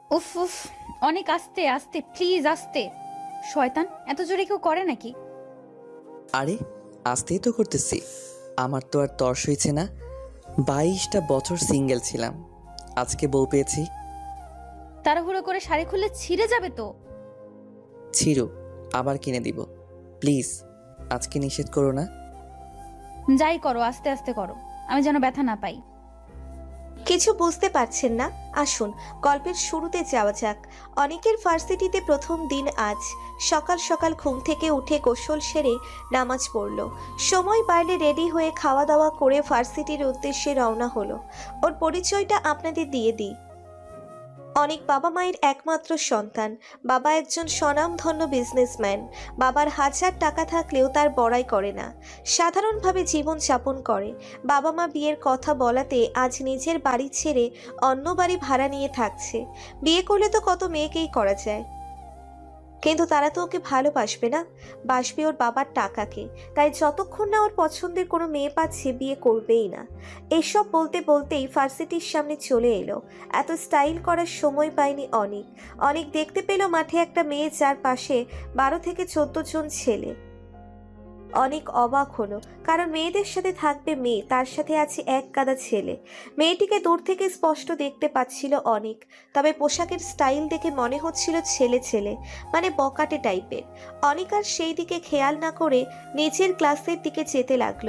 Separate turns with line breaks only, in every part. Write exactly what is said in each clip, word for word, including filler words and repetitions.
উফ উফ, অনেক আস্তে আস্তে প্লিজ, আস্তে। শয়তান, এত জোরে কেউ করে নাকি?
আরে আস্তেই তো করতেছি। আমার তো আর তর্স হয়েছে না। বাইশটা বছর সিঙ্গেল ছিলাম, আজকে বউ পেয়েছি।
তাড়াহুড়ো করে শাড়ি খুললে ছিঁড়ে যাবে তো।
ছিঁড়ো, আবার কিনে দিব। প্লিজ আজকে নিষেধ করো না।
যাই করো আস্তে আস্তে করো, আমি যেন ব্যথা না পাই।
কিছু বুঝতে পারছেন না? আসুন গল্পের শুরুতে যাওয়া যাক। অনেকের ভার্সিটিতে প্রথম দিন আজ। সকাল সকাল ঘুম থেকে উঠে গোসল সেরে নামাজ পড়ল। সময় বাড়লে রেডি হয়ে খাওয়া দাওয়া করে ভার্সিটির উদ্দেশ্যে রওনা হলো। ওর পরিচয়টা আপনাদের দিয়ে দিই। অনেক বাবা মায়ের একমাত্র সন্তান। বাবা একজন স্বনামধন্য বিজনেসম্যান। বাবার হাজার টাকা থাকলেও তার বড়াই করে না, সাধারণভাবে জীবন যাপন করে। বাবা মা বিয়ের কথা বলাতে আজ নিজের বাড়ি ছেড়ে অন্য বাড়ি ভাড়া নিয়ে থাকছে। বিয়ে করলে তো কত মেয়েকেই করা যায়, কিন্তু তারা তো ওকে ভালোবাসবে না, বাসবে ওর বাবার টাকাকে। তাই যতক্ষণ না ওর পছন্দের কোনো মেয়ে পাচ্ছে বিয়ে করবেই না। এসব বলতে বলতেই ভার্সিটির সামনে চলে এলো। এত স্টাইল করার সময় পায়নি অনেক। অনেক দেখতে পেল মাঠে একটা মেয়ে, যার পাশে বারো থেকে চোদ্দ জন ছেলে। অনেক অবাক হলো, কারণ মেয়েদের সাথে থাকবে মেয়ে, তার সাথে আছে এক গাদা ছেলে। মেয়েটিকে দূর থেকে স্পষ্ট দেখতে পাচ্ছিল অনেক, তবে পোশাকের স্টাইল দেখে মনে হচ্ছিল ছেলে ছেলে, মানে বকাটে টাইপের। অনেক আর সেই দিকে খেয়াল না করে নিচের ক্লাসের দিকে যেতে লাগলো।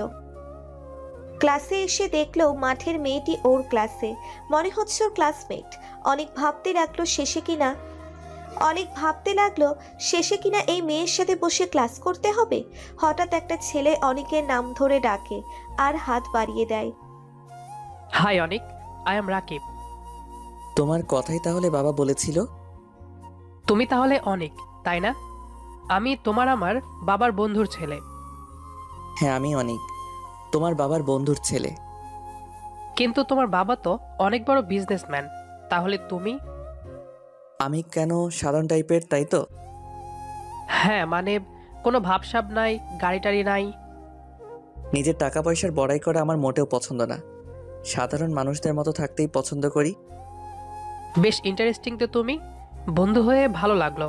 ক্লাসে এসে দেখলো মাঠের মেয়েটি ওর ক্লাসে, মনে হচ্ছে ওর ক্লাসমেট। অনেক ভাবতে লাগলো শেষে কিনা অনেক ভাবতে লাগলো শেষে কিনা এই মেয়ের সাথে বসে ক্লাস করতে হবে। হঠাৎ একটা ছেলে অনিকের নাম ধরে ডাকে আর হাত বাড়িয়ে দেয়।
Hi Anik, I am Rakib.
তোমার কথাই তাহলে বাবা বলেছিল?
তুমি তাহলে অনিক, তাই না? আমি তোমার আমার বাবার বন্ধুর ছেলে।
হ্যাঁ আমি অনেক, তোমার বাবার বন্ধুর ছেলে।
কিন্তু তোমার বাবা তো অনেক বড় বিজনেসম্যান, তাহলে তুমি?
আমি কেন সাধারণ টাইপের, তাই তো?
হ্যাঁ, মানে কোনো ভাবসাব নাই, গাড়ি টাড়ি নাই।
নিজের টাকা পয়সার বড়াই করা আমার মোটেও পছন্দ না। সাধারণ মানুষদের মতো থাকতেই পছন্দ করি।
বেশ ইন্টারেস্টিং তো তুমি। বন্ধু হয়ে ভালো লাগলো।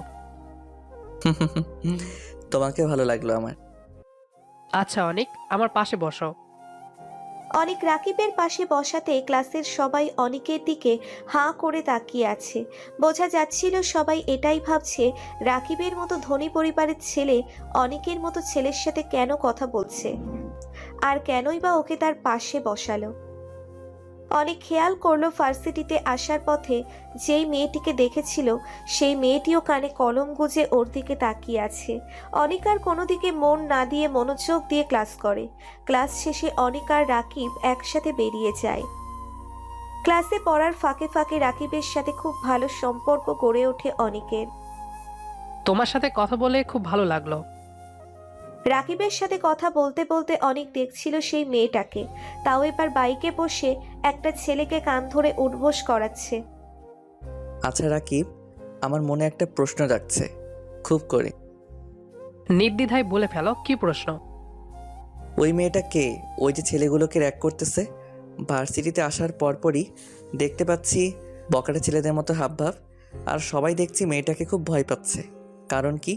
তোমাকে ভালো লাগলো আমার।
আচ্ছা অনিক, আমার পাশে বসো।
অনেক রাকিবের পাশে বসাতে ক্লাসের সবাই অনিকের দিকে হাঁ করে তাকিয়ে আছে। বোঝা যাচ্ছিল সবাই এটাই ভাবছে, রাকিবের মতো ধনী পরিবারের ছেলে অনিকের মতো ছেলের সাথে কেন কথা বলছে, আর কেনই বা ওকে তার পাশে বসালো। অনেক খেয়াল করলো ভার্সিটিতে আসার পথে যেই মেয়েটিকে দেখেছিল সেই মেয়েটিও কানে কলম গুজে ওর দিকে তাকিয়ে আছে। অনিক আর কোনো দিকে মন না দিয়ে মনোযোগ দিয়ে ক্লাস করে। ক্লাস শেষে অনিক আর রাকিব একসাথে বেরিয়ে যায়। ক্লাসে পড়ার ফাঁকে ফাঁকে রাকিবের সাথে খুব ভালো সম্পর্ক গড়ে ওঠে অনিকের।
তোমার সাথে কথা বলে খুব ভালো লাগলো।
রাকিবের সাথে কথা বলতে বলতে অনেক দেখছিল সেই মেয়েটাকে, তাও এবার বাইকে বসে একটা ছেলেকে কান ধরে উঠবোস করাচ্ছে।
আচ্ছা রাকিব, আমার মনে একটা প্রশ্ন রাখছে খুব করে।
নির্দ্বিধায় বলে ফেলো, কি প্রশ্ন?
ওই মেয়েটা কে? ওই যে ছেলেগুলোকে র্যাক করতেছে। ভার্সিটিতে আসার পরপরই দেখতে পাচ্ছি বকাটে ছেলেদের মতো হাবভাব, আর সবাই দেখছি মেয়েটাকে খুব ভয় পাচ্ছে। কারণ কি?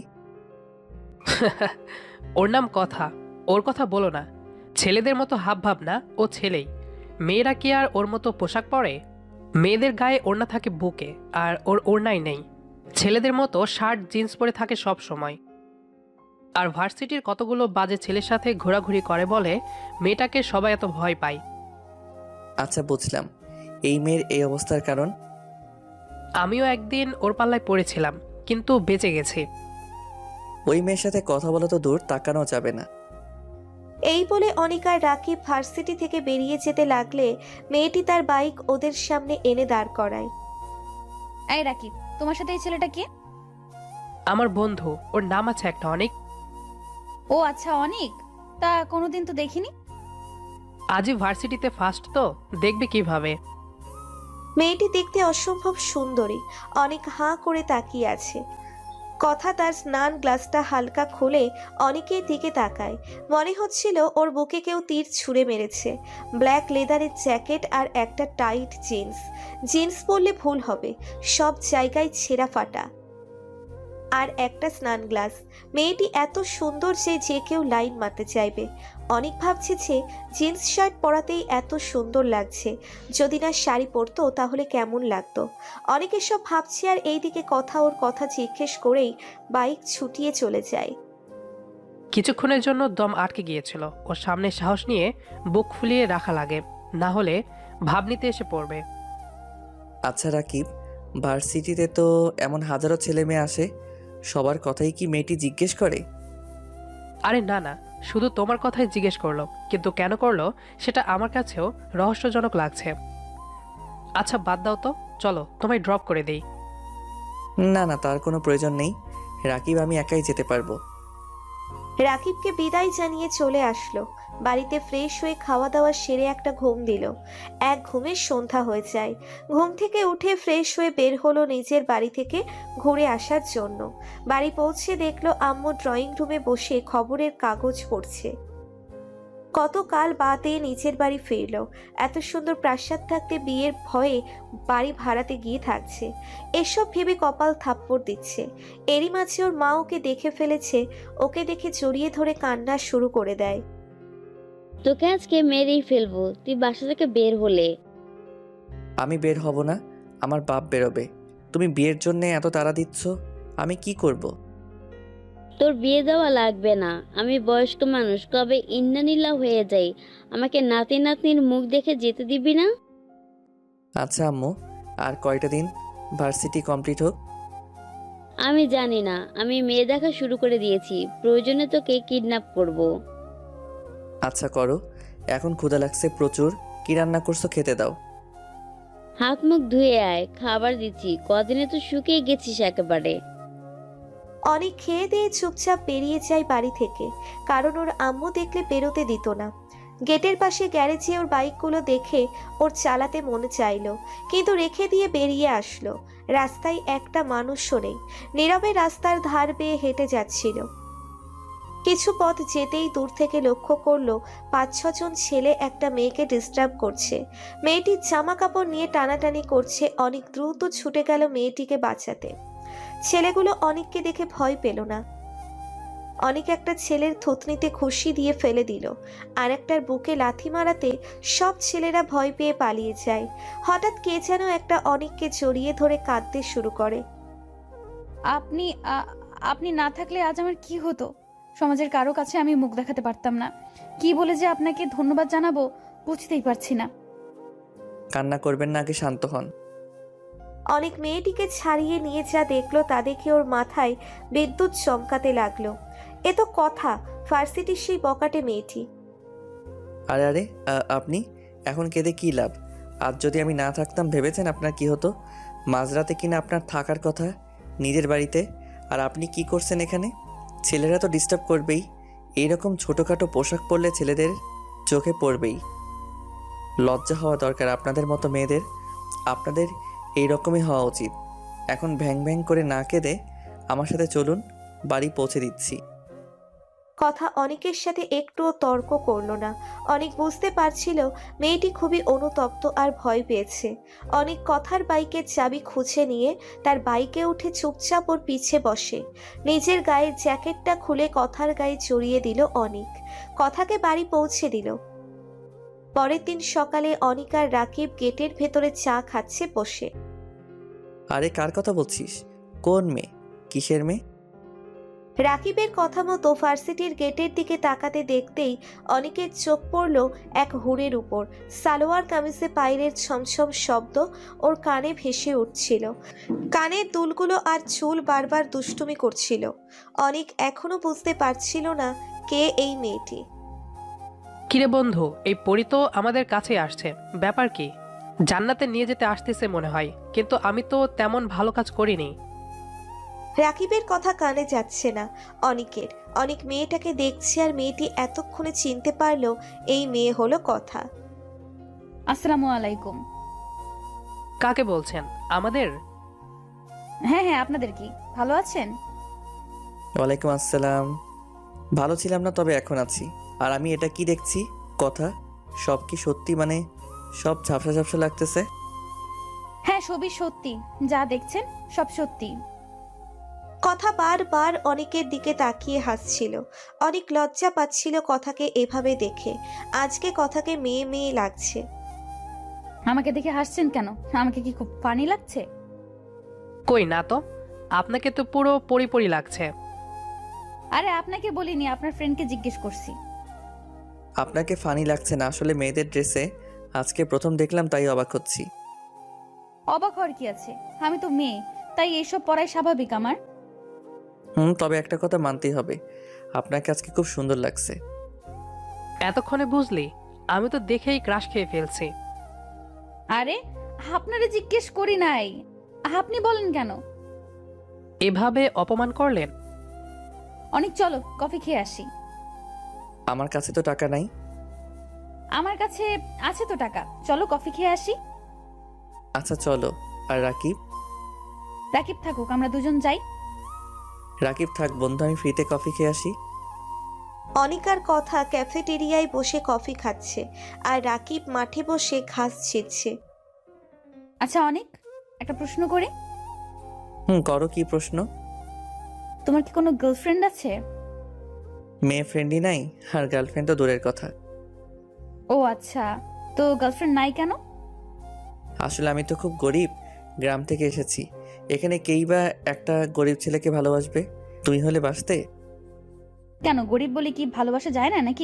ওর নাম কথা, ওর কথা বলো না। ছেলেদের মতো হাব ভাব না, ও ছেলেই। মেয়েরা কি আর ওর মতো পোশাক পরে? মেয়েদের গায়ে ওড়না থাকে বুকে, আর ওর ওড়নাই নেই। ছেলেদের মতো শার্ট জিন্স পরে থাকে সব সময়। আর ভার্সিটির কতগুলো বাজে ছেলের সাথে ঘোরাঘুরি করে বলে মেয়েটাকে সবাই এত ভয় পায়।
আচ্ছা বুঝলাম, এই মেয়ের এই অবস্থার কারণ।
আমিও একদিন ওর পাল্লায় পড়েছিলাম, কিন্তু বেঁচে গেছি।
ওই মেয়ের সাথে কথা বলা তো দূর, তাকানো যাবে না।
এই বলে অনিক আর রাকিব ভার্সিটি থেকে বেরিয়ে যেতে লাগলে মেয়েটি তার বাইক ওদের সামনে এনে দাঁড় করায়।
এই রাকিব, তোমার সাথে এই ছেলেটা কে?
আমার বন্ধু, ওর নাম আছে একটা অনেক।
ও আচ্ছা, অনেক। তা কোনোদিন তো দেখিনি।
আজই ভার্সিটিতে ফার্স্ট তো, দেখবে কিভাবে।
মেয়েটি দেখতে অসম্ভব সুন্দরী। অনেক হাঁ করে তাকিয়ে আছে। কথা তার স্নান গ্লাসটা হালকা খুলে অনেকের দিকে তাকায়। মনে হচ্ছিল ওর বুকে কেউ তীর ছুঁড়ে মেরেছে। ব্ল্যাক লেদারের জ্যাকেট আর একটা টাইট জিন্স। জিন্স পরলে ভুল হবে, সব জায়গায় ছেঁড়া ফাটা। আর একটা স্নান গ্লাস। মেয়েটি এত সুন্দর যে যে কেউ লাইন মারতে চাইবে। অনেক ভাবছে যে জিন্স শার্ট পরাতেই এত সুন্দর লাগছে, যদি না শাড়ি পরতো তাহলে কেমন লাগতো। অনেক এসব ভাবছে আর এইদিকে কথা ওর কথা জিজ্ঞেস করেই বাইক ছুটিয়ে চলে যায়।
কিছুক্ষণের জন্য দম আটকে গিয়েছিল। ওর সামনে সাহস নিয়ে বুক ফুলিয়ে রাখা লাগে, না হলে ভাব নিতে এসে পড়বে।
আচ্ছা রাকিব, ভার্সিটিতে তো এমন হাজারো ছেলে মেয়ে আসে, সবার কথাই কি মেয়েটি জিজ্ঞেস করে?
আরে না না, শুধু তোমার কথাই জিজ্ঞেস করলো, কিন্তু কেন করলো সেটা আমার কাছেও রহস্যজনক লাগছে। আচ্ছা বাদ দাও তো, চলো তোমায় ড্রপ করে দেই।
না না, তার কোনো প্রয়োজন নেই। রাকিব, আমি একাই যেতে পারবো।
রাকিবকে বিদায় জানিয়ে চলে আসলো। বাড়িতে ফ্রেশ হয়ে খাওয়া দাওয়া সেরে একটা ঘুম দিল। এক ঘুমে সন্ধ্যা হয়ে যায়। ঘুম থেকে উঠে ফ্রেশ হয়ে বের হলো নিজের বাড়ি থেকে ঘুরে আসার জন্য। বাড়ি পৌঁছে দেখলো আম্মু ড্রয়িং রুমে বসে খবরের কাগজ পড়ছে। কতকাল বাদে নিজের বাড়ি ফিরল। এত সুন্দর প্রাসাদ থাকতে বিয়ের ভয়ে বাড়ি ভাড়াতে গিয়ে থাকছে। এসব ভেবে কপাল থাপ্পড় দিচ্ছে। এরই মাঝে ওর মা ওকে দেখে ফেলেছে। ওকে দেখে জড়িয়ে ধরে কান্না শুরু করে দেয়।
তোকে আজকে মেরেই ফেলবো তুই বাসা থেকে বের হলে।
আমি বের হব না, আমার বাপ বেরোবে। তুমি বিয়ের জন্য এত তাড়া দিচ্ছ, আমি কি করব?
তোর বিয়ে দেওয়া লাগবে না, আমি বয়স্ক মানুষ, কবে ইন্নানিল্লা হয়ে যাই। আমাকে নাতি নাতনির মুখ দেখে যেতে দিবি না?
আচ্ছা আম্মু, আর কয়টা দিন ভার্সিটি কমপ্লিট হোক।
আমি জানি না, আমি মেয়ে দেখা শুরু করে দিয়েছি, প্রয়োজনে তোকে কিডন্যাপ করব।
আচ্ছা করো, এখন ক্ষুধা লাগছে প্রচুর। কি রান্না করছো, খেতে দাও।
হাত মুখ ধুয়ে আয়, খাবার দিচ্ছি, কদিনে তো শুকিয়ে গেছিস একেবারে।
অনেক খেয়ে দিয়ে চুপচাপ বেরিয়ে যায় বাড়ি থেকে, কারণ ওর আম্মু দেখলে বেরোতে দিত না। গেটের পাশে গ্যারেজে ওর বাইকগুলো দেখে ওর চালাতে মনে চাইলো, কিন্তু রেখে দিয়ে বেরিয়ে আসলো। রাস্তায় একটা মানুষও নেই। নীরবে রাস্তার ধার বেয়ে হেঁটে যাচ্ছিল। কিছু পথ যেতেই দূর থেকে লক্ষ্য করলো পাঁচ ছজন ছেলে একটা মেয়েকে ডিস্টার্ব করছে। মেয়েটির জামা কাপড় নিয়ে টানাটানি করছে। অনেক দ্রুত ছুটে গেল মেয়েটিকে বাঁচাতে। ছেলেগুলো অনেককে দেখে ভয় পেল না। অনেক একটা ছেলের থুতনিতে খুশি দিয়ে ফেলে দিল, আর একটার বুকে লাথি মারাতে সব ছেলেরা ভয় পেয়ে পালিয়ে যায়। হঠাৎ কে যেন একটা অনেককে জড়িয়ে ধরে কাঁদতে শুরু করে।
আপনি আ- আপনি না থাকলে আজ আমার কি হতো? সমাজের কারো কাছে আমি মুখ দেখাতে পারতাম না। কি বলে যে আপনাকে ধন্যবাদ জানাবো বুঝতেই পারছি না।
কান্না করবেন না, আগে শান্ত হন।
অনেক মেয়েটিকে ছাড়িয়ে নিয়ে যা দেখলো তা দেখে ওর মাথায় বিদ্যুৎ চমকাতে লাগলো। এ তো কথা, ভার্সিটির সেই বকাটে মেয়েটি।
আরে আরে আ- আপনি এখন কেঁদে কী লাভ? আজ যদি আমি না থাকতাম ভেবেছেন আপনার কি হতো? মাঝরাতে কিনা আপনার থাকার কথা নিজের বাড়িতে, আর আপনি কি করছেন এখানে? ছেলেরা তো ডিস্টার্ব করবেই। এইরকম ছোটোখাটো পোশাক পরলে ছেলেদের চোখে পড়বেই। লজ্জা হওয়া দরকার আপনাদের মতো মেয়েদের। আপনাদের এই রকমই হওয়া উচিত। এখন ভ্যাং ভ্যাং করে না কেঁদে আমার সাথে চলুন, বাড়ি পৌঁছে দিচ্ছি।
কথা অনেকের সাথে একটুও তর্ক করলো না। অনেক বুঝতে পারছিল মেয়েটি খুবই অনুতপ্ত আর ভয় পেয়েছে। অনেক কথার বাইকের চাবি খুঁজে নিয়ে তার বাইকে উঠে চুপচাপ ওর পিছে বসে। নিজের গায়ের জ্যাকেটটা খুলে কথার গায়ে জড়িয়ে দিল অনেক। কথাকে বাড়ি পৌঁছে দিল। পরের দিন সকালে অনিক আর রাকিব গেটের ভেতরে চা খাচ্ছে বসে।
আরে কার কথা বলছিস? কোন মেয়ে? কিসের মেয়ে?
রাকিবের কথা মতো ভার্সিটির গেটের দিকে তাকাতে দেখতেই অনেকের চোখ পড়ল এক হুড়ের উপর। সালোয়ার কামিজে পায়ের ছমছম শব্দ ওর কানে ভেসে উঠছিল। কানের দুলগুলো আর চুল বারবার দুষ্টুমি করছিল। অনেক এখনো বুঝতে পারছিল না কে এই মেয়েটি।
কিরে বন্ধু, এই পরি তো আমাদের কাছে আসছে, ব্যাপার কি? জান্নাতে নিয়ে যেতে আসতেছে মনে হয়, কিন্তু আমি তো তেমন ভালো কাজ করিনি।
রাকিবের কথা কানে যাচ্ছে না অনিকের। অনেক মেয়েটাকে দেখছে আর মেয়েটি এতক্ষণে চিনতে পারলো এই মেয়ে হলো কথা।
আসসালামু আলাইকুম।
কাকে বলছেন? আমাদের?
হ্যাঁ হ্যাঁ, আপনাদের কি ভালো আছেন?
ওয়ালাইকুম আসসালাম। ভালো ছিলাম না, তবে এখন আছি। আর আমি এটা কি দেখছি? কথা সব কি সত্যি? মানে সব ঝাপসা ঝাপসা লাগতেছে।
হ্যাঁ, সবই সত্যি, যা দেখছেন সব সত্যি।
কথা বারবার অনেকের দিকে তাকিয়ে হাসছিল। অনেক লজ্জা পাচ্ছিল কথাকে এভাবে দেখে। আজকে কথাকে মেয়ে মেয়ে লাগছে।
আমাকে দেখে হাসছেন কেন? আমাকে কি খুব ফানি লাগছে?
কই না তো, আপনাকে তো পুরো পরিপরি লাগছে।
আরে আপনাকে বলিনি, আপনার ফ্রেন্ডকে জিজ্ঞেস করছি।
আপনাকে ফানি লাগছে না? আসলে মেয়েদের ড্রেসে আজকে প্রথম দেখলাম, তাই অবাক হচ্ছি।
অবাক হওয়ার কি আছে? আমি তো মেয়ে, তাই এইসব পড়াই স্বাভাবিক আমার।
হুম, তবে একটা কথা মানতেই হবে, আপনাকে আজকে খুব সুন্দর লাগছে।
এতক্ষণে বুঝলি? আমি তো দেখেই ক্রাশ খেয়ে ফেলছি।
আরে আপনারে জিজ্ঞেস করি নাই, আপনি বলেন কেন?
এভাবে অপমান করলেন?
অনেক, চলো কফি খেয়ে আসি।
আমার কাছে তো টাকা নাই।
আমার কাছে আছে তো টাকা, চলো কফি খেয়ে আসি।
আচ্ছা চলো। আর রাকিব?
রাকিব থাকুক, আমরা দুজন যাই।
রাকিব থাক বন্ধু, আমি ফ্রিতে কফি খেয়ে আসি।
অনিকার কথা ক্যাফেটেরিয়ায় বসে কফি খাচ্ছে আর রাকিব মাঠে বসে ঘাস ছিঁড়ছে।
আচ্ছা অনেক, একটা প্রশ্ন করি।
হুম, করো। কি প্রশ্ন?
তোমার কি কোনো গার্লফ্রেন্ড আছে?
মেয়ে ফ্রেন্ডই নাই, আর গার্লফ্রেন্ড তো দূরের কথা।
ও আচ্ছা, তো গার্লফ্রেন্ড নাই কেন?
আসলে আমি তো খুব গরিব, গ্রাম থেকে এসেছি। এখানে কেই বা একটা গরিব ছেলেকে ভালোবাসবে? তুমি হলে বাসতে?
কেন, গরিব বলে কি ভালোবাসা যায় না নাকি?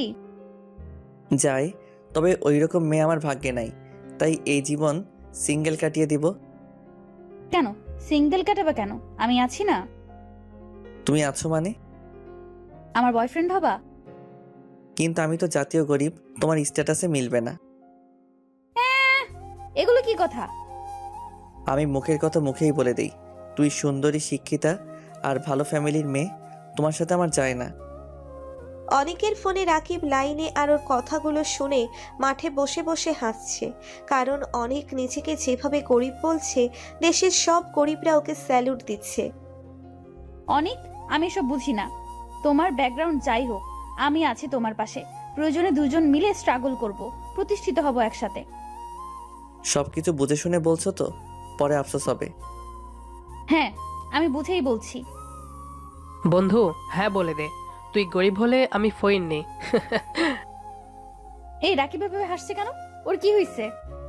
যায়, তবে ওই রকম মেয়ে আমার ভাগ্যে নাই, তাই এই জীবন সিঙ্গেল কাটিয়ে দিব।
কেন সিঙ্গেল কাটাবা কেন? আমি আছি না।
তুমি আছো মানে?
আমার বয়ফ্রেন্ড হবা?
কিন্তু আমি তো জাতীয় গরিব, তোমার স্ট্যাটাসে মিলবে না।
এ্যাঁ, এগুলো কি কথা?
আমি মুখের কথা মুখেই বলে দেই, তুই সুন্দরী, শিক্ষিতা আর ভালো ফ্যামিলির মেয়ে, তোমার সাথে আমার যায় না।
অনেকের ফোনে রাকিব লাইনে আর ওর কথাগুলো শুনে মাঠে বসে বসে হাসছে। কারণ অনেক নিজেকে যেভাবে গরিব বলছে, দেশের সব গরিবরা ওকে স্যালুট দিচ্ছে।
অনেক, আমি এসব বুঝি না। তোমার ব্যাকগ্রাউন্ড যাই হোক, আমি আছি তোমার পাশে। প্রয়োজনে দুজন মিলে স্ট্রাগল করব, প্রতিষ্ঠিত হব একসাথে।
সবকিছু বুঝে শুনে বলছো তো? পরে আফসোস হবে।
হ্যাঁ, আমি বুঝেই বলছি।
বন্ধু, হ্যাঁ বলে দে, তুই গরিব হলে আমি ফইন নেই।
এই রাকিব ভাবে হাসছে কেন? ওর কি হয়েছে?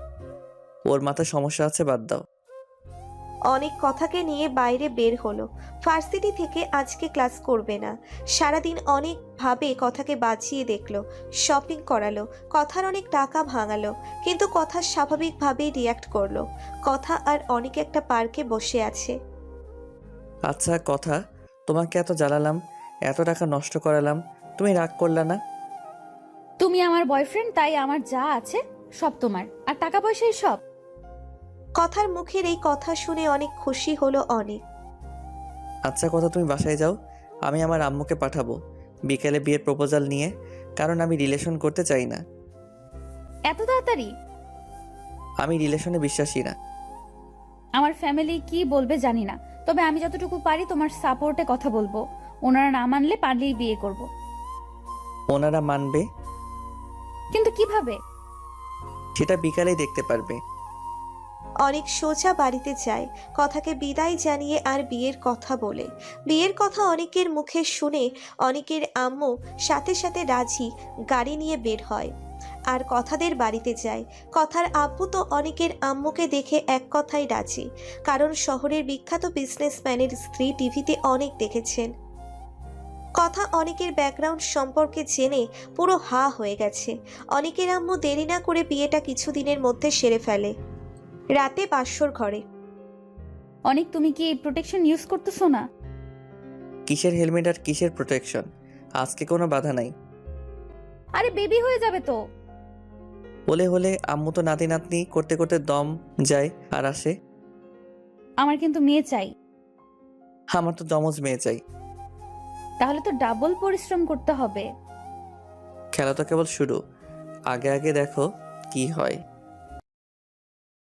ওর মাথায় সমস্যা আছে, বাদ দাও।
অনেক কথাকে নিয়ে বাইরে বের হলো। ভার্সিটি থেকে আজকে ক্লাস করবে না। সারাদিন অনেক ভাবে কথাকে বাঁচিয়ে দেখলো, শপিং করালো, কথার অনেক টাকা ভাঙালো, কিন্তু কথা স্বাভাবিকভাবেই রিয়াক্ট করলো। কথা আর অনেক একটা পার্কে বসে আছে।
আচ্ছা কথা, তোমাকে এত জ্বালালাম, এত টাকা নষ্ট করালাম, তুমি রাগ করলা না?
তুমি আমার বয়ফ্রেন্ড, তাই আমার যা আছে সব তোমার, আর টাকা পয়সাই সব।
কথার মুখের এই কথা শুনে অনেক খুশি হলো অনেক।
আচ্ছা কথা, তুমি বাসায় যাও, আমি আমার আম্মুকে পাঠাবো বিকেলে বিয়ের প্রপোজাল নিয়ে, কারণ আমি রিলেশন করতে চাই না।
এত তাড়াতাড়ি?
আমি রিলেশনে বিশ্বাসী না।
আমার ফ্যামিলি কি বলবে জানি না, তবে আমি যতটুকু পারি তোমার সাপোর্টে কথা বলবো। ওনারা না মানলে পারলেই বিয়ে করব।
ওনারা মানবে?
কিন্তু কিভাবে?
সেটা বিকালেই দেখতে পারবে।
অনেক সোজা বাড়িতে যায়, কথাকে বিদায় জানিয়ে আর বিয়ের কথা বলে। বিয়ের কথা অনেকের মুখে শুনে অনেকের আম্মু সাথে সাথে রাজি, গাড়ি নিয়ে বের হয় আর কথাদের বাড়িতে যায়। কথার আব্বু তো অনেকের আম্মুকে দেখে এক কথাই রাজি, কারণ শহরের বিখ্যাত বিজনেসম্যানের স্ত্রী টিভিতে অনেক দেখেছেন। কথা অনেকের ব্যাকগ্রাউন্ড সম্পর্কে জেনে পুরো হা হয়ে গেছে। অনেকের আম্মু দেরি না করে বিয়েটা কিছুদিনের মধ্যে সেরে ফেলে। রাতে বাসর ঘরে।
অনেক, তুমি কি প্রোটেকশন ইউজ করতেছো না?
কিসের হেলমেট আর কিসের প্রোটেকশন? আজকে কোনো বাধা নাই।
আরে বেবি হয়ে যাবে তো।
বলে হলে আম্মু তো নাতি নাতনি করতে করতে দম যায় আর আসে।
আমার কিন্তু মেয়ে চাই।
আমার তো জমজ মেয়ে চাই।
তাহলে তো ডাবল পরিশ্রম করতে হবে।
খেলা তো কেবল শুরু, আগে আগে দেখো কি হয়।